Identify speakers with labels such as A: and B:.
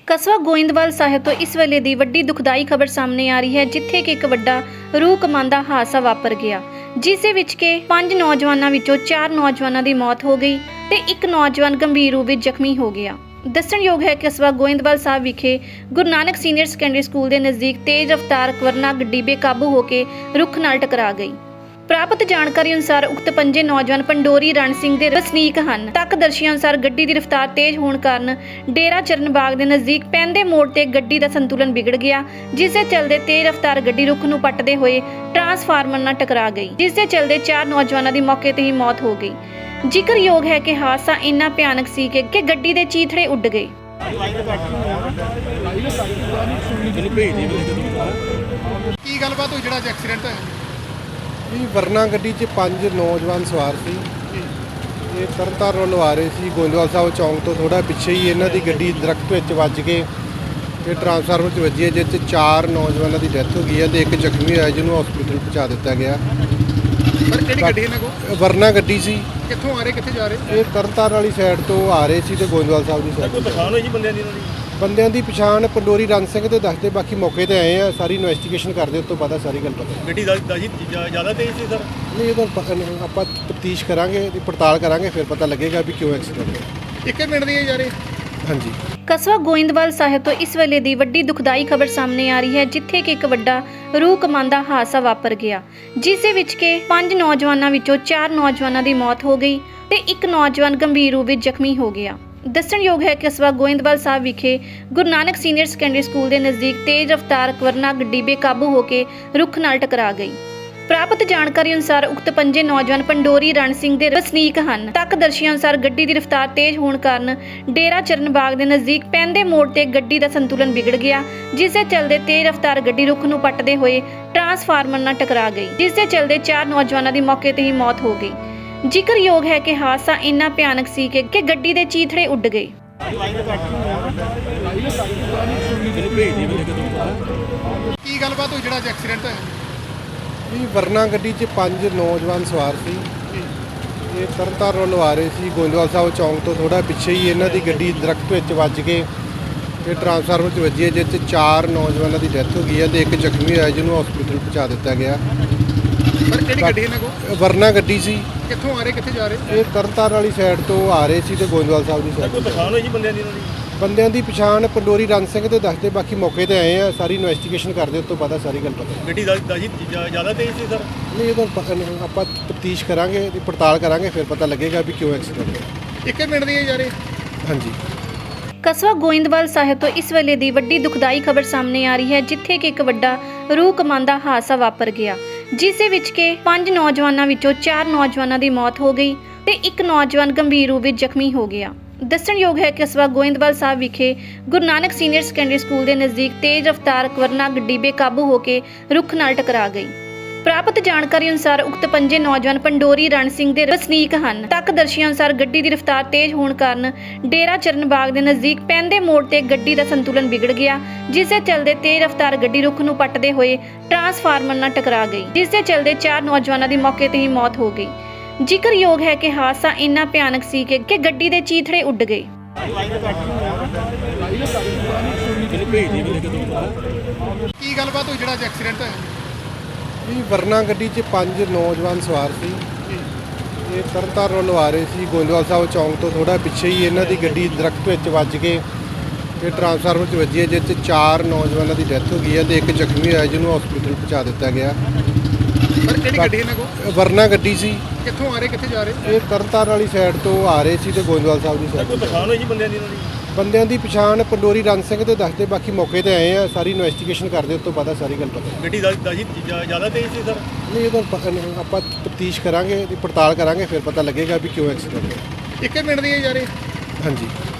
A: ਕਸਬਾ ਗੋਇੰਦਵਾਲ ਸਾਹਿਬ ਤੋਂ ਇਸ ਵੇਲੇ ਦੀ ਵੱਡੀ ਦੁਖਦਾਈ ਖਬਰ ਸਾਹਮਣੇ ਆ ਰਹੀ ਹੈ, ਜਿੱਥੇ ਕਿ ਇੱਕ ਵੱਡਾ ਰੂਹ ਕਮਾਂਦਾ ਹਾਦਸਾ ਵਾਪਰ ਗਿਆ, ਜਿਸ ਦੇ ਵਿੱਚ ਕਿ 5 ਨੌਜਵਾਨਾਂ ਵਿੱਚੋਂ 4 ਨੌਜਵਾਨਾਂ ਦੀ ਮੌਤ ਹੋ ਗਈ ਤੇ ਇੱਕ ਨੌਜਵਾਨ ਗੰਭੀਰ ਰੂਪ ਵਿੱਚ ਜ਼ਖਮੀ ਹੋ ਗਿਆ। ਦੱਸਣਯੋਗ ਹੈ ਕਿ ਕਸਬਾ ਗੋਇੰਦਵਾਲ ਸਾਹਿਬ ਵਿਖੇ Guru Nanak senior secondary school ਦੇ ਨਜ਼ਦੀਕ ਤੇਜ਼ ਰਫ਼ਤਾਰ ਵਰਨਾ ਗੱਡੀ ਬੇਕਾਬੂ ਹੋ ਕੇ ਰੁੱਖ ਨਾਲ ਟਕਰਾ ਗਈ। ਪ੍ਰਾਪਤ ਜਾਣਕਾਰੀ ਅਨੁਸਾਰ ਉਕਤ 5 ਨੌਜਵਾਨ ਪੰਡੋਰੀ ਰਣ ਸਿੰਘ ਦੇ ਵਸਨੀਕ ਹਨ। ਤੱਕਦਰਸ਼ੀਆਂ ਅਨੁਸਾਰ ਗੱਡੀ ਦੀ ਰਫ਼ਤਾਰ ਤੇਜ਼ ਹੋਣ ਕਾਰਨ ਡੇਰਾ ਚਰਨ ਬਾਗ ਦੇ ਨਜ਼ਦੀਕ ਪੈਂਦੇ ਮੋੜ ਤੇ ਗੱਡੀ ਦਾ ਸੰਤੁਲਨ ਵਿਗੜ ਗਿਆ, ਜਿਸ ਦੇ ਚੱਲਦੇ ਤੇਜ਼ ਰਫ਼ਤਾਰ ਗੱਡੀ ਰੁੱਖ ਨੂੰ ਪੱਟਦੇ ਹੋਏ ਟਰਾਂਸਫਾਰਮਰ ਨਾਲ ਟਕਰਾ ਗਈ, ਜਿਸ ਦੇ ਚੱਲਦੇ 4 ਨੌਜਵਾਨਾਂ ਦੀ ਮੌਕੇ ਤੇ ਹੀ ਮੌਤ ਹੋ ਗਈ। ਜ਼ਿਕਰਯੋਗ ਹੈ ਕਿ ਹਾਦਸਾ ਇੰਨਾ ਭਿਆਨਕ ਸੀ ਕਿ ਗੱਡੀ ਦੇ ਚੀਥੜੇ ਉੱਡ ਗਏ।
B: ਕੀ ਗੱਲਬਾਤ ਹੋਈ ਜਿਹੜਾ ਐਕਸੀਡੈਂਟ ਹੋਇਆ?
C: ਇਹ ਵਰਨਾ ਗੱਡੀ 'ਚ 5 ਨੌਜਵਾਨ ਸਵਾਰ ਸੀ। ਇਹ ਤਰਨਤਾਰਨ ਵੱਲੋਂ ਆ ਰਹੇ ਸੀ। ਗੋਇੰਦਵਾਲ ਸਾਹਿਬ ਚੌਂਕ ਤੋਂ ਥੋੜਾ ਪਿੱਛੇ ਹੀ ਇਹਨਾਂ ਦੀ ਗੱਡੀ ਦਰਖਤ ਵਿੱਚ ਵੱਜ ਕੇ ਤੇ ਟਰਾਂਸਫਾਰਮਰ 'ਚ ਵੱਜੀ ਹੈ, ਜਿਸ 'ਚ 4 ਨੌਜਵਾਨਾਂ ਦੀ ਡੈਥ ਹੋ ਗਈ ਹੈ ਤੇ ਇੱਕ ਜ਼ਖਮੀ ਹੋਇਆ, ਜਿਹਨੂੰ ਹਸਪੀਟਲ ਪਹੁੰਚਾ ਦਿੱਤਾ ਗਿਆ।
B: ਸਰ ਕਿਹੜੀ ਗੱਡੀ ਇਹਨਾਂ ਕੋਲ?
C: ਵਰਨਾ ਗੱਡੀ ਸੀ।
B: ਕਿੱਥੋਂ ਆ ਰਹੇ ਕਿੱਥੇ ਜਾ ਰਹੇ?
C: ਇਹ ਤਰਨਤਾਰਨ ਵਾਲੀ ਸਾਈਡ ਤੋਂ ਆ ਰਹੇ ਸੀ ਤੇ ਗੋਇੰਦਵਾਲ ਸਾਹਿਬ ਦੀ ਸਾਈਡ।
B: ਕੋਈ ਪਛਾਣ ਹੋਈ ਜੀ ਬੰਦਿਆਂ ਦੀ?
C: ਬੰਦਿਆਂ ਦੀ ਪਛਾਣ ਪੰਡੋਰੀ ਰਣ ਸਿੰਘ ਤੇ ਦੱਸਦੇ, ਬਾਕੀ ਮੌਕੇ ਤੇ ਆਏ ਆ, ਸਾਰੀ ਇਨਵੈਸਟੀਗੇਸ਼ਨ ਕਰਦੇ, ਉਸ ਤੋਂ ਪਤਾ ਸਾਰੀ ਗੱਲ ਪਤਾ।
B: ਗੱਡੀ ਜ਼ਿਆਦਾ ਤੇਜ਼ ਸੀ ਸਰ?
C: ਨਹੀਂ, ਇਹ ਤਾਂ ਪਤਾ ਨਹੀਂ, ਆਪਾਂ ਤਫਤੀਸ਼ ਕਰਾਂਗੇ, ਪੜਤਾਲ ਕਰਾਂਗੇ, ਫਿਰ ਪਤਾ ਲੱਗੇਗਾ ਵੀ ਕਿਉਂ ਐਕਸੀਡੈਂਟ ਹੋਇਆ।
B: 1 ਮਿੰਟ ਦੀ ਜਾ ਰਹੇ?
C: ਹਾਂਜੀ।
A: ਕਸਬਾ ਗੋਇੰਦਵਾਲ ਸਾਹਿਬ ਤੋਂ ਇਸ ਵੇਲੇ ਦੀ ਵੱਡੀ ਦੁਖਦਾਈ ਖਬਰ ਸਾਹਮਣੇ ਆ ਰਹੀ ਹੈ, ਜਿੱਥੇ ਕਿ ਇੱਕ ਵੱਡਾ ਰੂਹ ਕਮਾਂਦਾ ਹਾਦਸਾ ਵਾਪਰ ਗਿਆ, ਜਿਸ ਦੇ ਵਿੱਚ ਕਿ 5 ਨੌਜਵਾਨਾਂ ਵਿੱਚੋਂ 4 ਨੌਜਵਾਨਾਂ ਦੀ ਮੌਤ ਹੋ ਗਈ ਤੇ ਇੱਕ ਨੌਜਵਾਨ ਗੰਭੀਰ ਰੂਪ ਵਿੱਚ ਜ਼ਖਮੀ ਹੋ ਗਿਆ। ਦੱਸਣਯੋਗ ਹੈ ਕਿ ਕਸਬਾ ਗੋਇੰਦਵਾਲ ਸਾਹਿਬ ਵਿਖੇ Guru Nanak senior secondary school ਦੇ ਨਜ਼ਦੀਕ ਤੇਜ਼ ਰਫ਼ਤਾਰ ਵਰਨਾ ਗੱਡੀ ਬੇਕਾਬੂ ਹੋ ਕੇ ਰੁੱਖ ਨਾਲ ਟਕਰਾ ਗਈ। ਪ੍ਰਾਪਤ ਜਾਣਕਾਰੀ ਅਨੁਸਾਰ ਉਕਤ 5 ਨੌਜਵਾਨ ਪੰਡੋਰੀ ਰਣ ਸਿੰਘ ਦੇ ਵਸਨੀਕ ਹਨ। ਤੱਕਦਰਸ਼ੀਆਂ ਅਨੁਸਾਰ ਗੱਡੀ ਦੀ ਰਫ਼ਤਾਰ ਤੇਜ਼ ਹੋਣ ਕਾਰਨ ਡੇਰਾ ਚਰਨ ਬਾਗ ਦੇ ਨਜ਼ਦੀਕ ਪੈਂਦੇ ਮੋੜ ਤੇ ਗੱਡੀ ਦਾ ਸੰਤੁਲਨ ਵਿਗੜ ਗਿਆ, ਜਿਸ ਦੇ ਚੱਲਦੇ ਤੇਜ਼ ਰਫ਼ਤਾਰ ਗੱਡੀ ਰੁੱਖ ਨੂੰ ਪੱਟਦੇ ਹੋਏ ਟਰਾਂਸਫਾਰਮਰ ਨਾਲ ਟਕਰਾ ਗਈ, ਜਿਸ ਦੇ ਚੱਲਦੇ 4 ਨੌਜਵਾਨਾਂ ਦੀ ਮੌਕੇ ਤੇ ਹੀ ਮੌਤ ਹੋ ਗਈ। ਜ਼ਿਕਰਯੋਗ ਹੈ ਕਿ ਹਾਦਸਾ ਇੰਨਾ ਭਿਆਨਕ ਸੀ ਕਿ ਗੱਡੀ ਦੇ ਚੀਥੜੇ ਉੱਡ ਗਏ।
B: ਕੀ ਗੱਲਬਾਤ ਹੋਈ ਜਿਹੜਾ ਐਕਸੀਡੈਂਟ ਹੋਇਆ?
C: ਇਹ ਵਰਨਾ ਗੱਡੀ 'ਚ 5 ਨੌਜਵਾਨ ਸਵਾਰ ਸੀ। ਇਹ ਤਰਨਤਾਰਨ ਵੱਲੋਂ ਆ ਰਹੇ ਸੀ। ਗੋਇੰਦਵਾਲ ਸਾਹਿਬ ਚੌਂਕ ਤੋਂ ਥੋੜਾ ਪਿੱਛੇ ਹੀ ਇਹਨਾਂ ਦੀ ਗੱਡੀ ਦਰਖਤ ਵਿੱਚ ਵੱਜ ਕੇ ਤੇ ਟਰਾਂਸਫਾਰਮਰ 'ਚ ਵੱਜੀ ਹੈ, ਜਿਸ 'ਚ 4 ਨੌਜਵਾਨਾਂ ਦੀ ਡੈਥ ਹੋ ਗਈ ਹੈ ਤੇ ਇੱਕ ਜ਼ਖਮੀ ਹੋਇਆ, ਜਿਹਨੂੰ ਹਸਪੀਟਲ ਪਹੁੰਚਾ ਦਿੱਤਾ ਗਿਆ।
B: ਸਰ ਕਿਹੜੀ ਗੱਡੀ ਇਹਨਾਂ ਕੋਲ?
C: ਵਰਨਾ ਗੱਡੀ ਸੀ।
B: ਕਿੱਥੋਂ ਆ ਰਹੇ ਕਿੱਥੇ ਜਾ ਰਹੇ?
C: ਇਹ ਤਰਨਤਾਰਨ ਵਾਲੀ ਸਾਈਡ ਤੋਂ ਆ ਰਹੇ ਸੀ ਤੇ ਗੋਇੰਦਵਾਲ ਸਾਹਿਬ ਦੀ
B: ਕੋਈ
C: ਸਾਈਡ।
B: ਪਛਾਣ ਹੋਈ ਜੀ ਬੰਦਿਆਂ ਦੀ?
C: ਬੰਦਿਆਂ ਦੀ ਪਛਾਣ ਪੰਡੋਰੀ ਰਣ ਸਿੰਘ ਤੇ ਦੱਸਦੇ, ਬਾਕੀ ਮੌਕੇ ਤੇ ਆਏ ਆ, ਸਾਰੀ ਇਨਵੈਸਟੀਗੇਸ਼ਨ ਕਰਦੇ, ਉਸ ਤੋਂ ਪਤਾ ਸਾਰੀ ਗੱਲ ਪਤਾ।
B: ਗੱਡੀ ਜ਼ਿਆਦਾ ਤੇਜ਼ ਸੀ ਸਰ?
C: ਨਹੀਂ, ਇਹ ਤਾਂ ਪਤਾ ਨਹੀਂ, ਆਪਾਂ ਤਫਤੀਸ਼ ਕਰਾਂਗੇ, ਪੜਤਾਲ ਕਰਾਂਗੇ, ਫਿਰ ਪਤਾ ਲੱਗੇਗਾ ਵੀ ਕਿਉਂ ਐਕਸੀਡੈਂਟ ਹੋਇਆ।
B: 1 ਮਿੰਟ ਦੀ ਜਾ ਰਹੇ?
C: ਹਾਂਜੀ।
A: ਕਸਬਾ ਗੋਇੰਦਵਾਲ ਸਾਹਿਬ ਤੋਂ ਇਸ ਵੇਲੇ ਦੀ ਵੱਡੀ ਦੁਖਦਾਈ ਖਬਰ ਸਾਹਮਣੇ ਆ ਰਹੀ ਹੈ, ਜਿੱਥੇ ਕਿ ਇੱਕ ਵੱਡਾ ਰੂਹ ਕਮਾਂਦਾ ਹਾਦਸਾ ਵਾਪਰ ਗਿਆ, ਜਿਸ ਦੇ ਵਿੱਚ ਕਿ 5 ਨੌਜਵਾਨਾਂ ਵਿੱਚੋਂ 4 ਨੌਜਵਾਨਾਂ ਦੀ ਮੌਤ ਹੋ ਗਈ ਤੇ ਇੱਕ ਨੌਜਵਾਨ ਗੰਭੀਰ ਰੂਪ ਵਿੱਚ ਜ਼ਖਮੀ ਹੋ ਗਿਆ। ਦੱਸਣਯੋਗ ਹੈ ਕਿ ਕਸਬਾ ਗੋਇੰਦਵਾਲ ਸਾਹਿਬ ਵਿਖੇ Guru Nanak senior secondary school ਦੇ ਨਜ਼ਦੀਕ ਤੇਜ਼ ਰਫ਼ਤਾਰ ਵਰਨਾ ਗੱਡੀ ਬੇਕਾਬੂ ਹੋ ਕੇ ਰੁੱਖ ਨਾਲ ਟਕਰਾ ਗਈ। ਪ੍ਰਾਪਤ ਜਾਣਕਾਰੀ ਅਨੁਸਾਰ ਉਕਤ 5 ਨੌਜਵਾਨ ਪੰਡੋਰੀ ਰਣ ਸਿੰਘ ਦੇ ਵਸਨੀਕ ਹਨ। ਤੱਕਦਰਸ਼ੀਆਂ ਅਨੁਸਾਰ ਗੱਡੀ ਦੀ ਰਫ਼ਤਾਰ ਤੇਜ਼ ਹੋਣ ਕਾਰਨ ਡੇਰਾ ਚਰਨ ਬਾਗ ਦੇ ਨਜ਼ਦੀਕ ਪੈਂਦੇ ਮੋੜ ਤੇ ਗੱਡੀ ਦਾ ਸੰਤੁਲਨ ਵਿਗੜ ਗਿਆ, ਜਿਸ ਦੇ ਚੱਲਦੇ ਤੇਜ਼ ਰਫ਼ਤਾਰ ਗੱਡੀ ਰੁੱਖ ਨੂੰ ਪੱਟਦੇ ਹੋਏ ਟਰਾਂਸਫਾਰਮਰ ਨਾਲ ਟਕਰਾ ਗਈ, ਜਿਸ ਦੇ ਚੱਲਦੇ 4 ਨੌਜਵਾਨਾਂ ਦੀ ਮੌਕੇ ਤੇ ਹੀ ਮੌਤ ਹੋ ਗਈ। ਜ਼ਿਕਰਯੋਗ ਹੈ ਕਿ ਹਾਦਸਾ ਇੰਨਾ ਭਿਆਨਕ ਸੀ ਕਿ ਗੱਡੀ ਦੇ ਚੀਥੜੇ ਉੱਡ ਗਏ।
B: ਕੀ ਗੱਲਬਾਤ ਹੋਈ ਜਿਹੜਾ ਐਕਸੀਡੈਂਟ ਹੋਇਆ?
C: ਇਹ ਵਰਨਾ ਗੱਡੀ 'ਚ 5 ਨੌਜਵਾਨ ਸਵਾਰ ਸੀ। ਇਹ ਤਰਨਤਾਰਨ ਵੱਲੋਂ ਆ ਰਹੇ ਸੀ। ਗੋਇੰਦਵਾਲ ਸਾਹਿਬ ਚੌਂਕ ਤੋਂ ਥੋੜਾ ਪਿੱਛੇ ਹੀ ਇਹਨਾਂ ਦੀ ਗੱਡੀ ਦਰਖਤ ਵਿੱਚ ਵੱਜ ਕੇ ਤੇ ਟਰਾਂਸਫਾਰਮਰ 'ਚ ਵੱਜੀ ਹੈ, ਜਿਸ 'ਚ 4 ਨੌਜਵਾਨਾਂ ਦੀ ਡੈਥ ਹੋ ਗਈ ਹੈ ਤੇ ਇੱਕ ਜ਼ਖਮੀ ਹੋਇਆ, ਜਿਹਨੂੰ ਹਸਪੀਟਲ ਪਹੁੰਚਾ ਦਿੱਤਾ ਗਿਆ।
B: ਸਰ ਕਿਹੜੀ ਗੱਡੀ ਇਹਨਾਂ ਕੋਲ?
C: ਵਰਨਾ ਗੱਡੀ ਸੀ।
B: ਕਿੱਥੋਂ ਆ ਰਹੇ ਕਿੱਥੇ ਜਾ ਰਹੇ?
C: ਇਹ ਤਰਨਤਾਰਨ ਵਾਲੀ ਸਾਈਡ ਤੋਂ ਆ ਰਹੇ ਸੀ ਤੇ ਗੋਇੰਦਵਾਲ ਸਾਹਿਬ ਦੀ ਸਾਈਡ।
B: ਕੋਈ ਪਛਾਣ ਹੋਈ ਜੀ ਬੰਦਿਆਂ ਦੀ?
C: ਬੰਦਿਆਂ ਦੀ ਪਛਾਣ ਪੰਡੋਰੀ ਰਣ ਸਿੰਘ ਤੇ ਦੱਸਦੇ, ਬਾਕੀ ਮੌਕੇ ਤੇ ਆਏ ਆ, ਸਾਰੀ ਇਨਵੈਸਟੀਗੇਸ਼ਨ ਕਰਦੇ, ਉਸ ਤੋਂ ਪਤਾ ਸਾਰੀ ਗੱਲ ਪਤਾ।
B: ਗੱਡੀ ਜ਼ਿਆਦਾ ਤੇਜ਼ ਸੀ ਸਰ?
C: ਨਹੀਂ, ਇਹ ਤਾਂ ਪਤਾ ਨਹੀਂ, ਆਪਾਂ ਤਫਤੀਸ਼ ਕਰਾਂਗੇ, ਪੜਤਾਲ ਕਰਾਂਗੇ, ਫਿਰ ਪਤਾ ਲੱਗੇਗਾ ਵੀ ਕਿਉਂ ਐਕਸੀਡੈਂਟ ਹੋਇਆ।
B: 1 ਮਿੰਟ ਦੀ ਜਾ ਰਹੇ?
C: ਹਾਂਜੀ।